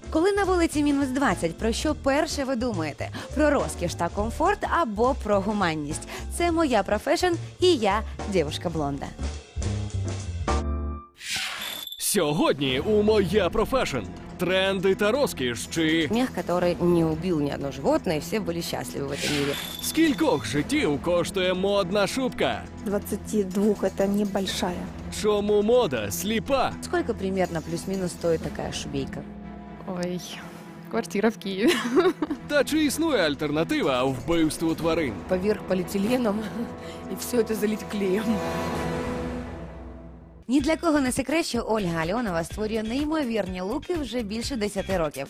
Коли на вулиці мінус 20, про що перше ви думаєте? Про розкіш та комфорт або про гуманність? Це «Моя профешн» і я, дівушка Блонда. Сьогодні у «Моя профешн» тренди та розкіш чи Мех, который не убил ни одно животное, и все были счастливы в этом мире. скількох життів коштує модна шубка? 22 это небольшая. Чому мода сліпа? Сколько примерно плюс-минус стоит такая шубейка? Ой, квартира в Киеве. Та чи існує альтернатива вбивству тварин? Поверх полиэтиленом и все это залить клеем. Ні для кого не секрет, що Ольга Альонова створює неймовірні луки вже більше 10 років.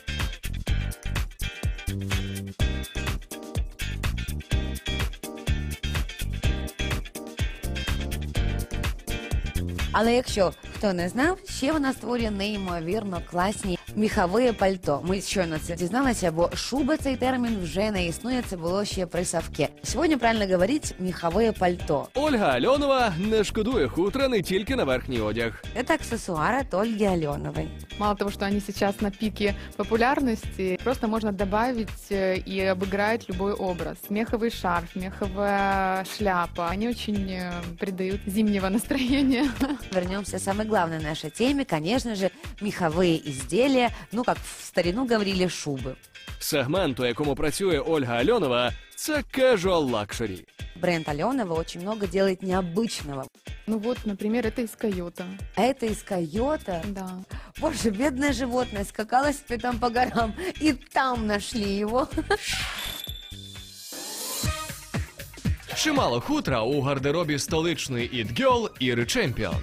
Але якщо хто не знав, ще вона створює неймовірно класні міхові пальто. Ми щойно це дізналися, бо шуба цей термін вже не існує, це було ще при Савке. Сьогодні правильно говорить міхове пальто. Ольга Альонова не шкодує хутра не тільки на верхній одяг. Это аксессуар от Ольги Аленовой. Мало того, что они сейчас на пике популярности, просто можно добавить и обыграть любой образ. Меховый шарф, меховая шляпа, они очень придают зимнего настроения. Вернемся к самой главной нашей теме, конечно же, меховые изделия, ну, как в старину говорили, шубы. Сегмент, у якому працює Ольга Альонова, це casual luxury. Бренд Аленова очень много делает необычного. Ну вот, например, это из койота. А это из койота. Да. Боже, бедное животное скакало себе там по горам, и там нашли его. Чимало хутра у гардеробі столичної іт-гьол Іри Чемпіон.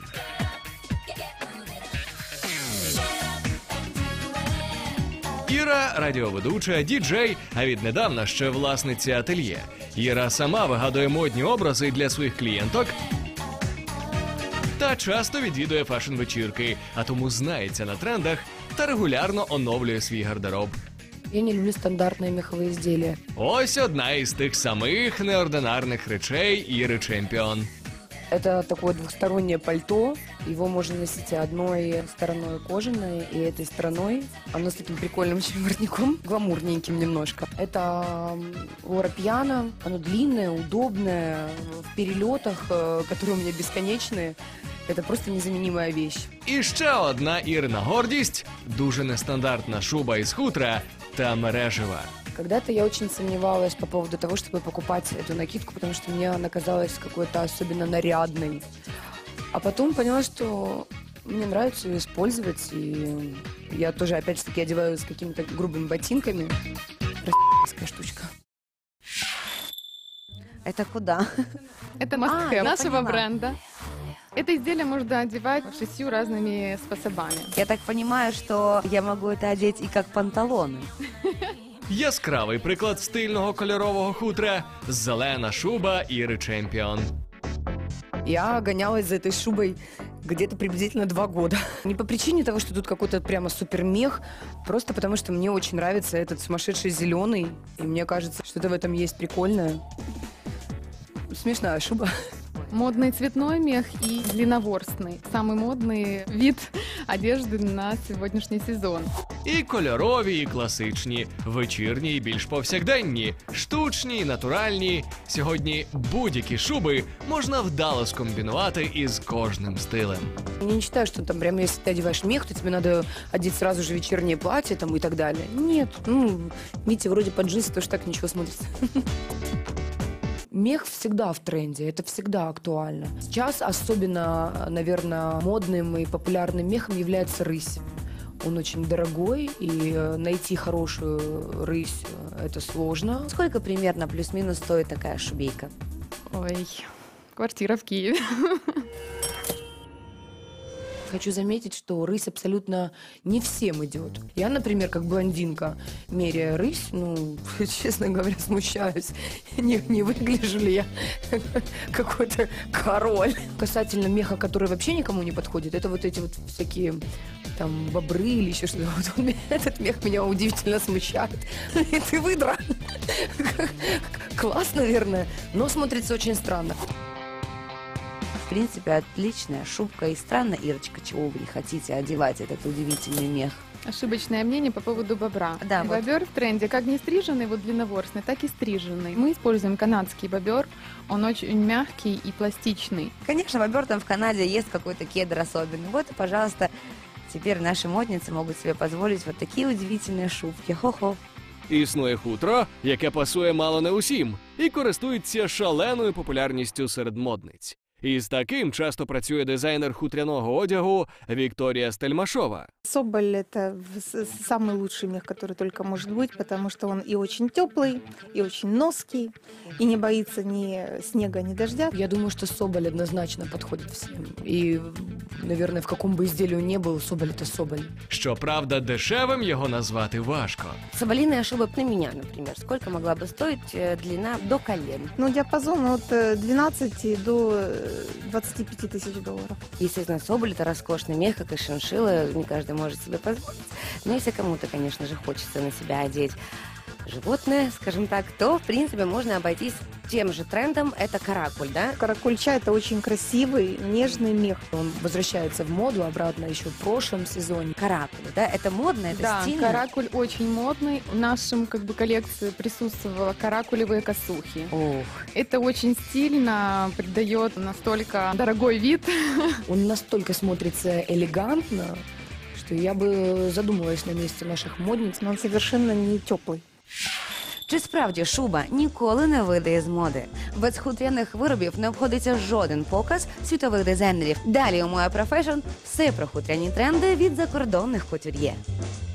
Іра – радіоведуча, діджей, а віднедавна ще власниця ательє. Іра сама вигадує модні образи для своїх клієнток та часто відвідує фешн-вечірки, а тому знається на трендах та регулярно оновлює свій гардероб. Я не люблю стандартные меховые изделия. Ось одна із тих самих неординарних речей Іри Чемпіон. Это такое двухстороннее пальто. Его можно носить одной стороной кожаной и этой стороной. Оно с таким прикольным очень воротником, гламурненьким немножко. Это Лора Пьяна. Оно длинное, удобное, в перелетах, которые у меня бесконечные. Это просто незаменимая вещь. І ще одна Ірина гордість – дуже нестандартна шуба із хутра та мережева. Когда-то я очень сомневалась по поводу того, чтобы покупать эту накидку, потому что мне она казалась какой-то особенно нарядной. А потом поняла, что мне нравится ее использовать, и я тоже, опять же таки, одеваю с какими-то грубыми ботинками. Простая штучка. Это куда? Это must-have я нашего поняла. бренда. Это изделие можно одевать 6 разными способами. Я так понимаю, что я могу это одеть и как панталоны. Яскравий приклад стильного кольорового хутра – зелена шуба Іри Чемпіон. Я гонялась за этой шубой где-то приблизительно 2 года. Не по причине того, что тут какой-то прямо супермех, просто потому что мне очень нравится этот сумасшедший зеленый, и мне кажется, что-то в этом есть прикольное. Смешная шуба. Модный цветной мех и длинноворстный. Самый модный вид одежды на сегодняшний сезон. І кольорові, і класичні, вечірні, і більш повсякденні, штучні, і натуральні. Сьогодні будь-які шуби можна вдало скомбінувати із кожним стилем. Я не считаю, что там прям, если ты одеваешь мех, то тебе надо одеть сразу же вечернее платье там и так далее. Нет, видите, вроде под джинсы тоже так ничего смотрится. Мех всегда в тренде, это всегда актуально. Сейчас особенно, наверное, модным и популярным мехом является рысь. Он очень дорогой, и найти хорошую рысь – это сложно. Сколько примерно плюс-минус стоит такая шубейка? Ой, квартира в Киеве. Хочу заметить, что рысь абсолютно не всем идет. Я, например, как блондинка, меряя рысь, честно говоря, смущаюсь. Не выгляжу ли я какой-то король. Касательно меха, который вообще никому не подходит, это вот эти вот всякие там бобры или еще что-то. Вот этот мех меня удивительно смущает. И ты выдра. Класс, наверное, но смотрится очень странно. принципе, отличная шубка. И странно, Ирочка, чего вы не хотите одевать этот удивительный мех. Ошибочное мнение по поводу бобра. Да, вот. Бобер в тренде как не стриженный, вот длинноворстный, так и стриженный. Мы используем канадский бобер, он очень мягкий и пластичный. Конечно, бобер там в Канаде есть какой-то кедр особенный. Вот и, пожалуйста, теперь наши модницы могут себе позволить вот такие удивительные шубки. Хо-хо. Існує хутро, яке пасує мало не усім, і користується шаленою популярністю серед модниць. І з таким часто працює дизайнер хутряного одягу Вікторія Стельмашова. Соболь – это самый лучший мех, который только может быть, потому что он и очень теплый, и очень ноский, и не боится ни снега, ни дождя. Я думаю, что соболь однозначно подходит всем. И, наверное, в каком бы изделии ни был, соболь – это соболь. Щоправда, дешевим його назвати важко. Соболиная шуба на меня, например. Сколько могла бы стоить длина до колен? Ну, диапазон от 12 до 25 тысяч долларов. Естественно, соболь – это роскошный мех, как и шиншилла. Не каждый может себе позволить. Но если кому-то, конечно же, хочется на себя одеть животное, скажем так, то, в принципе, можно обойтись тем же трендом. Это каракуль, да? Каракульча – это очень красивый, нежный мех. Он возвращается в моду обратно еще в прошлом сезоне. Каракуль, да? Это модно, это Да, стильно? каракуль очень модный. В нашем коллекции присутствовала каракулевые косухи. Ох, Это очень стильно, придает настолько дорогой вид. Он настолько смотрится элегантно, что я бы задумалась на месте наших модниц. Но он совершенно не теплый. чи справді шуба ніколи не вийде із моди? Без хутряних виробів не обходиться жоден показ світових дизайнерів. Далі у Моя Профешн все про хутряні тренди від закордонних кутюр'є.